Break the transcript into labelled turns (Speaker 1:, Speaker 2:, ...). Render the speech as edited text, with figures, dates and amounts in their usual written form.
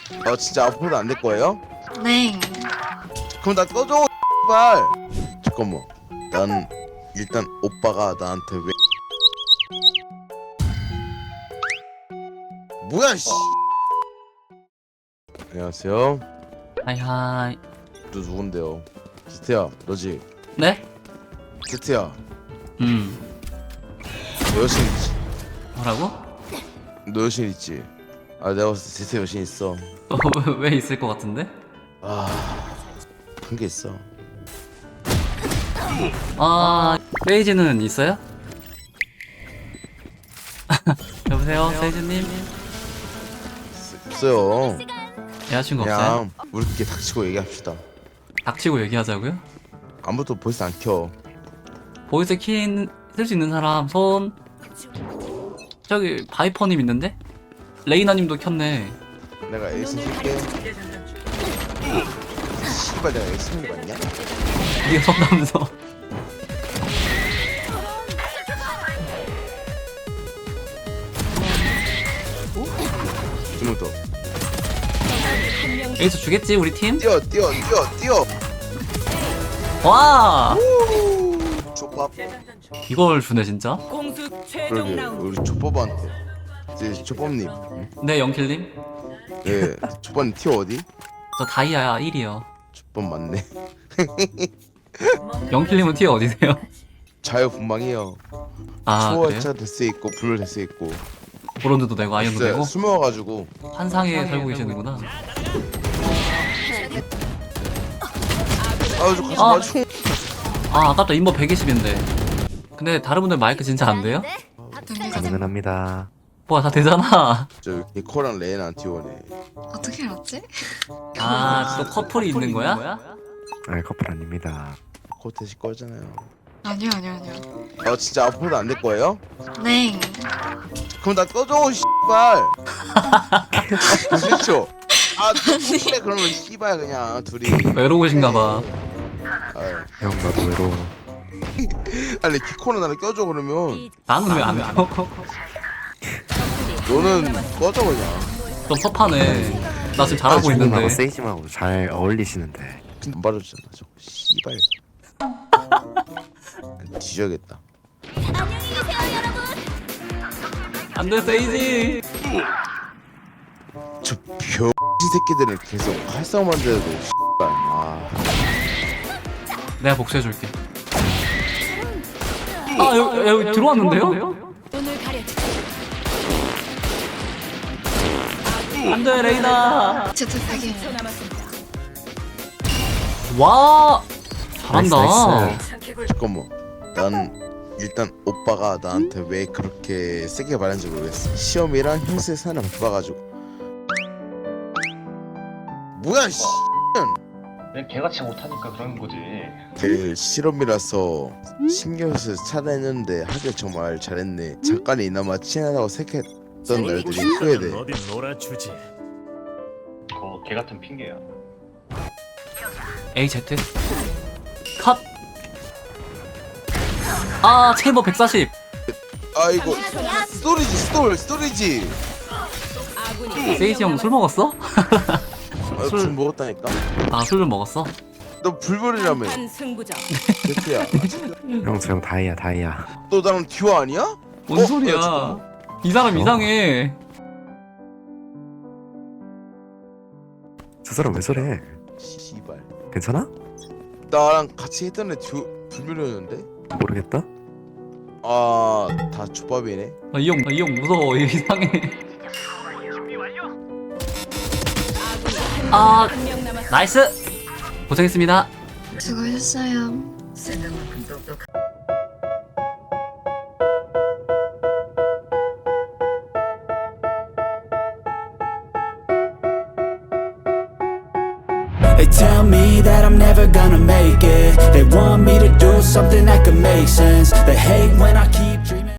Speaker 1: 진짜 앞으로도 안 될 거예요?
Speaker 2: 네.
Speaker 1: 그럼 나 꺼줘 발. 잠깐만. 난 일단 오빠가 나한테 왜 뭐야 씨. 안녕하세요.
Speaker 3: 하이하이.
Speaker 1: 너 누군데요? 제트야 너지?
Speaker 3: 네?
Speaker 1: 제트야
Speaker 3: 음.
Speaker 1: 너 여신 있지?
Speaker 3: 뭐라고?
Speaker 1: 너 여신 있지? 내가 봤을 때 제트 여신 있어.
Speaker 3: 왜 있을 것 같은데?
Speaker 1: 한 게 있어.
Speaker 3: 세이지는 있어요? 여보세요, 세이지님?
Speaker 1: 없어요.
Speaker 3: 여자친구 없어요?
Speaker 1: 그냥 우리끼리 닥치고 얘기합시다.
Speaker 3: 닥치고 얘기하자고요?
Speaker 1: 아무도 보이스 안 켜.
Speaker 3: 보이스 쓸 수 있는 사람 손. 저기 바이퍼님 있는데? 레이나님도 켰네.
Speaker 1: 내가 에이스 쓸게. 씨발 내가 에이스 쓴 거 맞냐?
Speaker 3: 니가 손담서.
Speaker 1: 좀 더.
Speaker 3: 에이스 주겠지 우리 팀?
Speaker 1: 뛰어.
Speaker 3: 와!
Speaker 1: 족밥.
Speaker 3: 이걸 주네 진짜?
Speaker 1: 그러게 우리 족밥한테. 이제 족밥님.
Speaker 3: 네, 영킬님?
Speaker 1: 예. 족밥님 티어 어디?
Speaker 3: 저 다이아야 1이요.
Speaker 1: 족밥 맞네.
Speaker 3: 영킬님은 티어 어디세요?
Speaker 1: 자유분방해요.
Speaker 3: 아, 그래요?
Speaker 1: 초월차 될 수 있고 불 될 수 있고.
Speaker 3: 브론즈도 되고 아이언도
Speaker 1: 진짜
Speaker 3: 되고
Speaker 1: 숨어가지고.
Speaker 3: 환상에 살고 계시는구나.
Speaker 1: 저 가서 맞춰.
Speaker 3: 아깝다. 인버 120인데. 근데 다른 분들 마이크 진짜 안 돼요?
Speaker 4: 가능합니다.
Speaker 3: 뭐야, 다 되잖아.
Speaker 1: 저 니코랑 레이나랑 티오네.
Speaker 2: 어떻게 알았지?
Speaker 3: 또 커플이 있는 거야?
Speaker 4: 커플 아닙니다.
Speaker 1: 코테시 거잖아요.
Speaker 2: 아니요.
Speaker 1: 진짜 앞으로도 안 될 거예요?
Speaker 2: 네.
Speaker 1: 그럼 나 꺼줘 씨발. 그렇죠. 그래 그러면 씨발 그냥 둘이.
Speaker 3: 외로우신가봐.
Speaker 4: 형 나도 외로워.
Speaker 1: 아니 키코는 나를 껴줘 그러면.
Speaker 3: 나는 왜 안 켜?
Speaker 1: 너는 꺼져 그냥.
Speaker 3: 좀 섭하네. 나 지금 잘하고 있는데.
Speaker 4: 형하고 세이지하고 잘 어울리시는데.
Speaker 1: 안 받아주잖아 저거 씨발. 뒤져야겠다.
Speaker 3: 안돼, 세이지.
Speaker 1: 저 병신 새끼들은 계속 활성만 돼도 씨발.
Speaker 3: 내가 복수해줄게. 여기 들어왔는데요? 안돼, 레이나.
Speaker 2: 제트 되게
Speaker 3: 와, 잘한다.
Speaker 4: 나이스.
Speaker 1: 잠깐만. 난 일단 오빠가 나한테 왜 그렇게 세게 말했는지 모르겠어. 시험이랑 형수의 사연을 바빠가지고. 뭐야 씨.
Speaker 5: 그냥 개같이 못하니까 그런 거지.
Speaker 1: 그 실험이라서 신경 써서 찾아냈는데 하길 정말 잘했네. 잠깐이 이나마 친하다고 생각했던 날들이 후회돼.
Speaker 6: 어디 놀아주지.
Speaker 5: 그거 개 같은 핑계야.
Speaker 3: AZ 컷. 체이버 140.
Speaker 1: 이거 스토리지.
Speaker 3: 세이지 형 술 먹었어?
Speaker 1: 술 먹었다니까.
Speaker 3: 술 좀 먹었어?
Speaker 1: 너 불벌이라며. 제트야.
Speaker 4: 형 저 형 다이아.
Speaker 1: 너 나랑 듀오 아니야?
Speaker 3: 뭔 소리야?
Speaker 1: 잠깐만.
Speaker 3: 이 사람 이상해.
Speaker 4: 저 사람 왜 저래?
Speaker 1: 씨발.
Speaker 4: 괜찮아?
Speaker 1: 나랑 같이 했던 애 듀오 불멸이었는데.
Speaker 4: 모르겠다.
Speaker 1: 다 족밥이네.
Speaker 3: 이 형 무서워. 이상해. 나이스. 고생했습니다.
Speaker 2: 수고하셨어요.
Speaker 7: They tell me that I'm never gonna make it. They want me to do something that could make sense. They hate when I keep dreaming.